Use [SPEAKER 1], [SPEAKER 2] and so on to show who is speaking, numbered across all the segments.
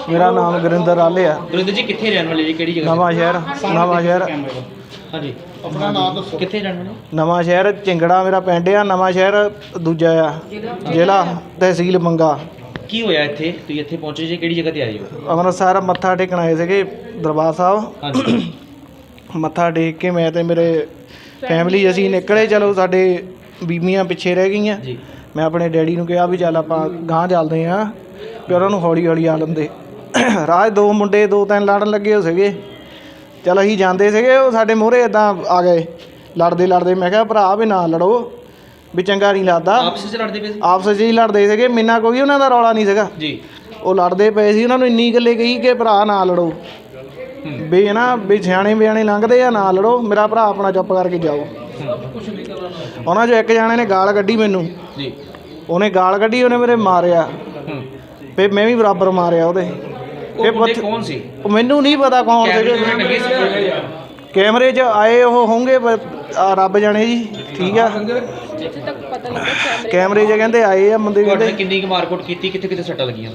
[SPEAKER 1] मेरा नाम गुरिंदर आले है।
[SPEAKER 2] गुरिंदर जी कितने रहने वाले जी, केड़ी जगह?
[SPEAKER 1] नवा शहर
[SPEAKER 2] हाँ जी, अपना नाम दसो, कितने रहने वाले?
[SPEAKER 1] नवा शहर चिंगड़ा मेरा पिंड आ। नवा शहर दूजा आ, जिला तहसील मंगा।
[SPEAKER 2] की होया इत्थे? तुसीं इत्थे पहुंचे जी, केड़ी जगह ते आए हो?
[SPEAKER 1] ਅੰਮ੍ਰਿਤਸਰ ਮੱਥਾ ਟੇਕਣ ਆਏ ਸੀਗੇ ਦਰਬਾਰ ਸਾਹਿਬ।
[SPEAKER 2] ਹਾਂਜੀ।
[SPEAKER 1] ਮੱਥਾ ਟੇਕ ਕੇ ਮੈਂ ਤੇ ਮੇਰੇ ਫੈਮਿਲੀ ਅਸੀਂ ਨਿਕਲੇ। ਚਲੋ ਸਾਡੇ ਬੀਬੀਆਂ ਪਿੱਛੇ ਰਹਿ ਗਈਆਂ।
[SPEAKER 2] ਜੀ।
[SPEAKER 1] ਮੈਂ ਆਪਣੇ ਡੈਡੀ ਨੂੰ ਕਿਹਾ ਵੀ ਚੱਲ ਆਪਾਂ ਗਾਂਹ ਚੱਲਦੇ ਹਾਂ, ਵੀ ਉਹਨਾਂ ਨੂੰ ਹੌਲੀ ਹੌਲੀ ਆ ਲੈਂਦੇ। ਰਾਹ 'ਚ ਦੋ ਮੁੰਡੇ ਦੋ ਤਿੰਨ ਲੜਨ ਲੱਗੇ ਹੋ ਸੀਗੇ। ਚੱਲ ਅਸੀਂ ਜਾਂਦੇ ਸੀਗੇ, ਉਹ ਸਾਡੇ ਮੂਹਰੇ ਇੱਦਾਂ ਆ ਗਏ ਲੜਦੇ ਲੜਦੇ। ਮੈਂ ਕਿਹਾ ਭਰਾ ਵੀ ਨਾ ਲੜੋ, ਵੀ ਚੰਗਾ ਨਹੀਂ ਲੱਗਦਾ।
[SPEAKER 2] ਆਪਸ ਵਿੱਚ ਲੜਦੇ ਪਏ ਸੀ?
[SPEAKER 1] ਆਪਸ 'ਚ ਹੀ ਲੜਦੇ ਸੀਗੇ, ਮਿੰਨਾ ਕੋਈ ਉਹਨਾਂ ਦਾ ਰੌਲਾ ਨਹੀਂ ਸੀਗਾ
[SPEAKER 2] ਜੀ।
[SPEAKER 1] ਉਹ ਲੜਦੇ ਪਏ ਸੀ। ਉਹਨਾਂ ਨੂੰ ਇੰਨੀ ਗੱਲੇ ਕਹੀ ਕਿ ਭਰਾ ਨਾ ਲੜੋ, ਵੀ ਨਾ ਵੀ ਸਿਆਣੇ ਬਿਆਣੇ ਲੰਘਦੇ ਆ, ਨਾ ਲੜੋ, ਮੇਰਾ ਭਰਾ ਆਪਣਾ ਚੁੱਪ ਕਰਕੇ ਜਾਓ। ਉਹਨਾਂ 'ਚੋਂ ਇੱਕ ਜਾਣੇ ਨੇ ਗਾਲ ਕੱਢੀ ਮੈਨੂੰ।
[SPEAKER 2] ਜੀ।
[SPEAKER 1] ਉਹਨੇ ਗਾਲ ਕੱਢੀ, ਉਹਨੇ ਮੇਰੇ ਮਾਰਿਆ, ਫਿਰ ਮੈਂ ਵੀ ਬਰਾਬਰ ਮਾਰਿਆ ਉਹਦੇ।
[SPEAKER 2] ਉਹ ਬੰਦੇ ਕੌਣ ਸੀ?
[SPEAKER 1] ਉਹ ਮੈਨੂੰ ਨਹੀਂ ਪਤਾ ਕੌਣ ਸੀਗੇ। ਕੈਮਰੇ 'ਚ ਆਏ ਉਹ ਹੋਣਗੇ ਰੱਬ ਜਾਣੇ ਜੀ। ਠੀਕ ਆ, ਕੈਮਰੇ 'ਚ ਕਹਿੰਦੇ ਆਏ ਆ ਬੰਦੇ। ਕਹਿੰਦੇ
[SPEAKER 2] ਕਿੰਨੀ ਕੁ ਮਾਰਕੁੱਟ ਕੀਤੀ, ਕਿੱਥੇ ਕਿੱਥੇ ਸੱਟਾਂ ਲੱਗੀਆਂ?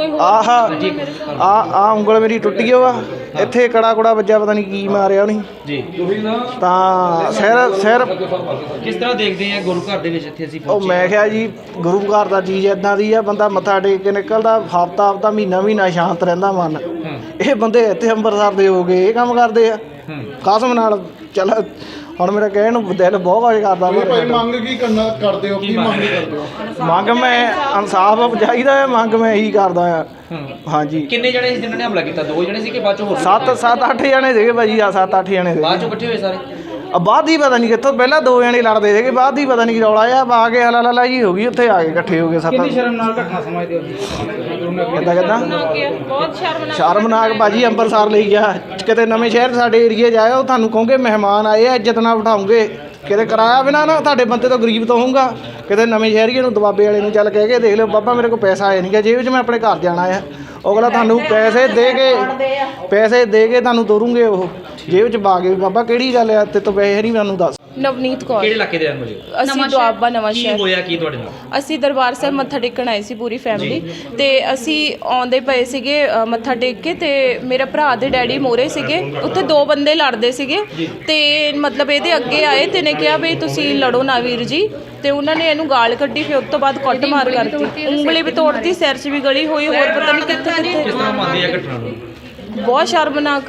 [SPEAKER 1] ਆਹ ਉਂਗਲ ਮੇਰੀ ਟੁੱਟ ਗਈ ਵਾ, ਇੱਥੇ ਕੜਾ ਕੁੜਾ ਵੱਜਾ, ਪਤਾ ਨਹੀਂ ਕੀ ਮਾਰਿਆ ਉਹਨੇ
[SPEAKER 2] ਜੀ।
[SPEAKER 1] ਤਾਂ ਸਿਰ
[SPEAKER 2] ਕਿਸ ਤਰ੍ਹਾਂ ਦੇਖਦੇ ਆ ਗੁਰੂ ਘਰ ਦੇ ਵਿੱਚ ਇੱਥੇ ਅਸੀਂ
[SPEAKER 1] ਉਹ
[SPEAKER 2] ਪਹੁੰਚੇ?
[SPEAKER 1] ਮੈਂ ਕਿਹਾ ਜੀ ਗੁਰੂ ਘਰ ਦਾ ਚੀਜ਼ ਇੱਦਾਂ ਦੀ ਆ, ਬੰਦਾ ਮੱਥਾ ਟੇਕ ਕੇ ਨਿਕਲਦਾ ਹਫ਼ਤਾ ਮਹੀਨਾ ਸ਼ਾਂਤ ਰਹਿੰਦਾ ਮਨ। ਇਹ ਬੰਦੇ ਇੱਥੇ ਅੰਮ੍ਰਿਤਸਰ ਦੇ ਹੋ ਗਏ, ਇਹ ਕੰਮ ਕਰਦੇ ਆ ਕਸਮ ਨਾਲ। ਚੱਲ ਹੁਣ ਮੇਰਾ ਕਹਿਣ ਨੂੰ ਦਿਲ ਬਹੁਤ ਕੁਝ ਕਰਦਾ।
[SPEAKER 3] ਮੰਗ ਕੀ ਕਰਦੇ ਹੋ? ਕੀ ਮੰਗ ਕਰਦੇ ਹੋ?
[SPEAKER 1] ਮੰਗ ਮੈਂ ਇਨਸਾਫ ਚਾਹੀਦਾ ਹੈ, ਮੰਗ ਮੈਂ ਇਹੀ ਕਰਦਾ ਆ। ਹਾਂਜੀ।
[SPEAKER 2] ਕਿੰਨੇ ਜਣੇ ਸੀ ਜਿਨ੍ਹਾਂ ਨੇ ਹਮਲਾ ਕੀਤਾ? ਦੋ ਜਣੇ ਸੀ ਕਿ ਬਾਅਦ ਚੋਂ ਹੋਰ?
[SPEAKER 1] 7-8 ਜਣੇ ਸੀਗੇ ਭਾਜੀ। 7-8 ਜਣੇ ਸੀਗੇ।
[SPEAKER 2] ਬਾਅਦ ਚੋਂ ਇਕੱਠੇ ਹੋਏ ਸਾਰੇ?
[SPEAKER 1] ਬਾਅਦ ਹੀ ਪਤਾ ਨਹੀਂ ਕਿੱਥੋਂ, ਪਹਿਲਾਂ ਦੋ ਜਣੇ ਲੜਦੇ ਸੀਗੇ, ਬਾਅਦ ਹੀ ਪਤਾ ਨਹੀਂ ਕੀ ਰੌਲਾ ਆ ਕੇ ਹਲਾ ਜੀ ਹੋ ਗਈ, ਉੱਥੇ ਆ ਕੇ ਇਕੱਠੇ ਹੋ ਗਏ। ਕਿੰਨੀ ਸ਼ਰਮਨਾਕ ਘਟਨਾ ਸਮਝਦੇ ਹੋ? ਕਿੱਦਾਂ
[SPEAKER 4] ਬਹੁਤ
[SPEAKER 1] ਸ਼ਰਮਨਾਕ ਭਾਜੀ। ਅੰਮ੍ਰਿਤਸਰ ਲਈ ਗਿਆ, ਕਿਤੇ ਨਵੇਂ ਸ਼ਹਿਰ ਸਾਡੇ ਏਰੀਏ 'ਚ ਆਇਆ, ਉਹ ਤੁਹਾਨੂੰ ਕਹੋਗੇ ਮਹਿਮਾਨ ਆਏ ਆ, ਇੱਜ਼ਤ ਨਾਲ ਬਿਠਾਉਂਗੇ, ਕਿਤੇ ਕਿਰਾਇਆ ਬਿਨਾਂ ਨਾ ਤੁਹਾਡੇ ਬੰਦੇ ਤੋਂ ਗਰੀਬ ਤੋਂ ਹੋਊਗਾ। ਕਿਤੇ ਨਵੇਂ ਸ਼ਹਿਰੀਏ ਨੂੰ ਦਬਾਬੇ ਵਾਲੇ ਨੂੰ ਚੱਲ ਕਹਿ ਕੇ ਦੇਖ ਲਿਓ, ਬਾਬਾ ਮੇਰੇ ਕੋਲ ਪੈਸਾ ਆਇਆ ਨਹੀਂ ਗਾ ਜੇਬ 'ਚ, ਮੈਂ ਆਪਣੇ ਘਰ ਜਾਣਾ ਆ। ਅਗਲਾ ਤੁਹਾਨੂੰ ਪੈਸੇ ਦੇ ਕੇ ਤੁਹਾਨੂੰ ਤੋਰੂਗੇ ਉਹ ਜੇਬ 'ਚ ਪਾ ਕੇ। ਬਾਬਾ ਕਿਹੜੀ ਗੱਲ ਆ, ਤੇ ਤੋਂ ਪੈਸੇ ਨਹੀਂ ਮੈਨੂੰ ਦੱਸ।
[SPEAKER 4] ਨਵਨੀਤ ਕੌਰ।
[SPEAKER 2] ਕਿਹੜੇ ਇਲਾਕੇ ਦੇ ਰਹਿਣ ਵਾਲੇ ਹੋ?
[SPEAKER 4] ਅਸੀਂ ਦੁਆਬਾ ਨਵਾਂ
[SPEAKER 2] ਕੀ
[SPEAKER 4] ਸ਼ਹਿਰ।
[SPEAKER 2] ਹੋਇਆ ਕੀ ਤੁਹਾਡੇ ਨਾਲ?
[SPEAKER 4] ਅਸੀਂ ਦਰਬਾਰ ਸਾਹਿਬ ਮੱਥਾ ਟੇਕਣ ਆਏ ਸੀ ਪੂਰੀ ਫੈਮਿਲੀ, ਤੇ ਅਸੀਂ ਆਉਂਦੇ ਪਏ ਸੀਗੇ ਮੱਥਾ ਟੇਕ ਕੇ, ਤੇ ਮੇਰੇ ਭਰਾ ਦੇ ਡੈਡੀ ਮੋਰੇ ਸੀਗੇ, ਉੱਥੇ ਦੋ ਬੰਦੇ ਲੜਦੇ ਸੀਗੇ, ਤੇ ਮਤਲਬ ਇਹਦੇ ਅੱਗੇ ਆਏ ਤੇ ਨੇ ਕਿਹਾ ਵੀ ਤੁਸੀਂ ਲੜੋ ਨਾ ਵੀਰ ਜੀ, ਤੇ ਉਹਨਾਂ ਨੇ ਇਹਨੂੰ ਗਾਲ ਕੱਢੀ। ਫਿਰ ਉਸ ਤੋਂ ਬਾਅਦ ਕੁੱਟ ਮਾਰ ਕਰਤੀ, ਉਂਗਲੀ ਵੀ ਤੋੜਤੀ, ਸਿਰ 'ਚ ਵੀ ਗਲੀ ਹੋਈ, ਹੋਰ ਪਤਾ ਨਹੀਂ ਕਿੱਥੇ
[SPEAKER 2] ਕਿਸ ਤਰ੍ਹਾਂ ਮੰਨਦੇ ਆ ਘਟਨਾ ਨੂੰ?
[SPEAKER 4] ਬਹੁਤ ਸ਼ਰਮਨਾਕ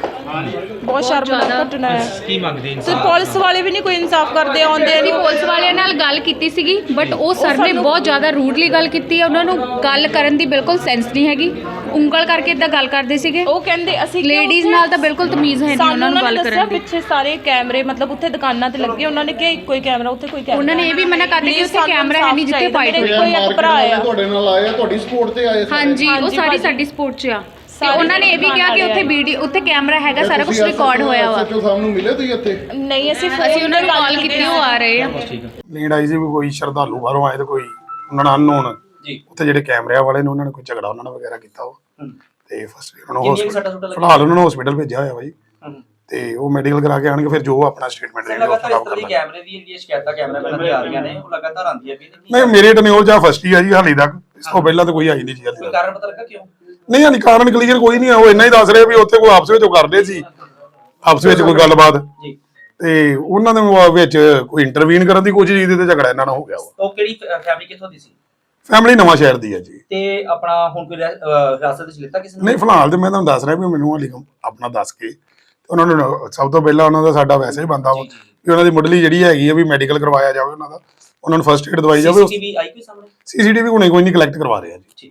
[SPEAKER 4] ਘਟਨਾ ਹੈ।
[SPEAKER 2] ਕੀ ਮੰਗਦੇ
[SPEAKER 4] ਤੇ ਪੁਲਿਸ ਵਾਲੇ ਵੀ ਨਹੀਂ ਕੋਈ ਇਨਸਾਫ ਕਰਦੇ। ਆਉਂਦੇ ਨਹੀਂ।
[SPEAKER 5] ਪੁਲਿਸ ਵਾਲਿਆਂ ਨਾਲ ਗੱਲ ਕੀਤੀ ਸੀਗੀ, ਬਟ ਉਹ ਸਰ ਨੇ ਬਹੁਤ ਜ਼ਿਆਦਾ ਰੂਡਲੀ ਗੱਲ ਕੀਤੀ ਹੈ। ਉਹਨਾਂ ਨੂੰ ਗੱਲ ਕਰਨ ਦੀ ਬਿਲਕੁਲ ਸੈਂਸ ਨਹੀਂ ਹੈਗੀ, ਉਂਗਲ ਕਰਕੇ ਇਦਾਂ ਗੱਲ ਕਰਦੇ ਸੀਗੇ।
[SPEAKER 4] ਉਹ ਕਹਿੰਦੇ ਅਸੀਂ
[SPEAKER 5] ਲੇਡੀਜ਼ ਨਾਲ ਤਾਂ ਬਿਲਕੁਲ ਤਮੀਜ਼ ਹੈ ਨਹੀਂ ਉਹਨਾਂ ਨੂੰ ਗੱਲ ਕਰਨ ਦੀ।
[SPEAKER 4] ਪਿੱਛੇ ਸਾਰੇ ਕੈਮਰੇ ਮਤਲਬ ਉੱਥੇ ਦੁਕਾਨਾਂ ਤੇ ਲੱਗੇ, ਉਹਨਾਂ ਨੇ ਕਿਹਾ ਇੱਕੋ ਹੀ ਕੈਮਰਾ, ਉੱਥੇ ਕੋਈ ਕੈਮਰਾ।
[SPEAKER 5] ਉਹਨਾਂ ਨੇ ਇਹ ਵੀ ਮਨਾ ਕਰ ਦਿੱਤਾ ਕਿ ਉੱਥੇ ਕੈਮਰਾ ਹੈ ਨਹੀਂ ਜਿੱਥੇ ਫਾਈਟ ਹੋਈ।
[SPEAKER 4] ਕੋਈ ਇੱਕ ਭਰਾ ਆ
[SPEAKER 3] ਤੁਹਾਡੇ ਨਾਲ ਆਏ ਆ, ਤੁਹਾਡੀ ਸਪੋਰਟ ਤੇ ਆਏ?
[SPEAKER 5] ਹਾਂਜੀ, ਉਹ ਸਾਡੀ ਸਪੋਰਟ 'ਚ ਆ। ਤੇ ਉਹਨਾਂ ਨੇ ਇਹ ਵੀ ਕਿਹਾ ਕਿ ਉੱਥੇ ਕੈਮਰਾ ਹੈਗਾ, ਸਾਰਾ ਕੁਝ ਰਿਕਾਰਡ ਹੋਇਆ ਵਾ।
[SPEAKER 3] ਸੱਚੋ ਸਾਹਿਬ ਨੂੰ ਮਿਲੇ ਤੁਸੀਂ ਇੱਥੇ?
[SPEAKER 4] ਨਹੀਂ, ਅਸੀਂ
[SPEAKER 5] ਉਹਨਾਂ ਨੂੰ ਕਾਲ ਕੀਤੀ, ਉਹ ਆ ਰਹੇ ਆ।
[SPEAKER 6] ਲੀਡ ਆਈ ਸੀ ਵੀ ਕੋਈ ਸ਼ਰਧਾਲੂ ਬਾਹਰੋਂ ਆਏ ਤੇ ਕੋਈ ਉਹਨਾਂ ਨਾਲ ਅਨਨੋਨ
[SPEAKER 2] ਜੀ।
[SPEAKER 6] ਉੱਥੇ ਜਿਹੜੇ ਕੈਮਰਿਆਂ ਵਾਲੇ ਨੇ ਉਹਨਾਂ ਨੇ ਕੋਈ ਝਗੜਾ ਉਹਨਾਂ ਨਾਲ ਵਗੈਰਾ ਕੀਤਾ ਉਹ, ਤੇ ਫਸਟ ਉਹਨਾਂ ਨੂੰ
[SPEAKER 2] ਹਸਪੀਟਲ
[SPEAKER 6] ਫਿਲਹਾਲ ਉਹਨਾਂ ਨੂੰ ਹਸਪੀਟਲ ਭੇਜਿਆ ਹੋਇਆ ਬਾਈ, ਤੇ ਉਹ ਮੈਡੀਕਲ ਕਰਾ ਕੇ ਆਣਗੇ, ਫਿਰ ਜੋ ਆਪਣਾ ਸਟੇਟਮੈਂਟ ਦੇਣਗੇ ਉਹ ਖਰਾਬ ਕਰ ਲਾਂਗੇ।
[SPEAKER 2] ਕੈਮਰੇ ਦੀ ਜਿਹੜੀ ਸ਼ਿਕਾਇਤਾਂ ਕੈਮਰਾਮੈਨਾਂ ਦੀਆਂ ਆ ਰਹੀਆਂ ਨੇ, ਉਹ ਲਗਾਤਾਰ ਆਉਂਦੀਆਂ ਵੀ
[SPEAKER 6] ਨਹੀਂ, ਮੇਰੇ ਟਨਿਓਰ ਜਾਂ ਫਸਟ ਹੀ ਆ ਜੀ ਹਾਲੇ ਤੱਕ, ਇਸ ਤੋਂ ਪਹਿਲਾਂ ਤਾਂ ਕੋਈ ਆਈ ਨਹੀਂ ਜੀ ਹਾਲੇ ਤੱਕ।
[SPEAKER 2] ਕਾਰਨ ਪਤਾ ਲੱਗਾ ਕਿਉਂ?
[SPEAKER 6] ਨਹੀਂ ਹਾਲੇ ਕਾਰਨ ਕਲੀਅਰ ਕੋਈ ਨਹੀਂ ਆ, ਉਹ ਇੰਨਾ ਹੀ ਦੱਸ ਰਹੇ ਵੀ ਉੱਥੇ ਕੋਈ ਆਪਸ ਵਿੱਚ ਉਹ ਕਰਦੇ ਸੀ, ਆਪਸ ਵਿੱਚ ਕੋਈ ਗੱਲਬਾਤ,
[SPEAKER 2] ਜੀ,
[SPEAKER 6] ਤੇ ਉਹਨਾਂ ਦੇ ਵਿੱਚ ਕੋਈ ਇੰਟਰਵੀਨ ਕਰਨ ਦੀ ਕੋਸ਼ਿਸ਼ ਕੀਤੀ ਤੇ ਝਗੜਾ ਇਹਨਾਂ ਨਾਲ ਹੋ ਗਿਆ ਵਾ।
[SPEAKER 2] ਉਹ ਕਿਹੜੀ ਫੈਮਿਲੀ ਕਿੱਥੋਂ ਦੀ ਸੀ?
[SPEAKER 6] ਫੈਮਿਲੀ ਨਵਾਂ ਸ਼ਹਿਰ ਦੀ ਹੈ ਜੀ।
[SPEAKER 2] ਤੇ ਆਪਣਾ ਹੁਣ ਕੋਈ ਹਿਰਾਸਤ ਵਿੱਚ ਲਿੱਤਾ ਕਿਸੇ ਨੇ?
[SPEAKER 6] ਨਹੀਂ, ਫਿਲਹਾਲ ਤੇ ਮੈਂ ਤੁਹਾਨੂੰ ਦੱਸ ਰਿਹਾ ਵੀ ਮੈਨੂੰ ਹਾਲੇ ਆਪਣਾ ਦੱਸ ਕੇ ਉਹਨਾਂ ਨੂੰ ਸਭ ਤੋਂ ਪਹਿਲਾਂ ਉਹਨਾਂ ਦਾ ਸਾਡਾ ਵੈਸੇ ਹੀ ਬੰਦਾ ਵਾ ਕਿ ਉਹਨਾਂ ਦੀ ਮੁੱਢਲੀ ਜਿਹੜੀ ਹੈਗੀ ਆ ਵੀ ਮੈਡੀਕਲ ਕਰਵਾਇਆ ਜਾਵੇ, ਉਹਨਾਂ ਦਾ ਉਹਨਾਂ ਨੂੰ ਫਸਟ ਏਡ ਦਵਾਈ ਜਾਵੇ।
[SPEAKER 2] ਸੀਸੀਟੀਵੀ ਆਈ ਕੋਈ ਸਾਹਮਣੇ?
[SPEAKER 6] ਸੀਸੀਟੀਵੀ ਹੁਣੇ ਕੋਈ ਨਹੀਂ ਕਲੈਕਟ ਕਰਵਾ ਰਹੇ ਆ ਜੀ।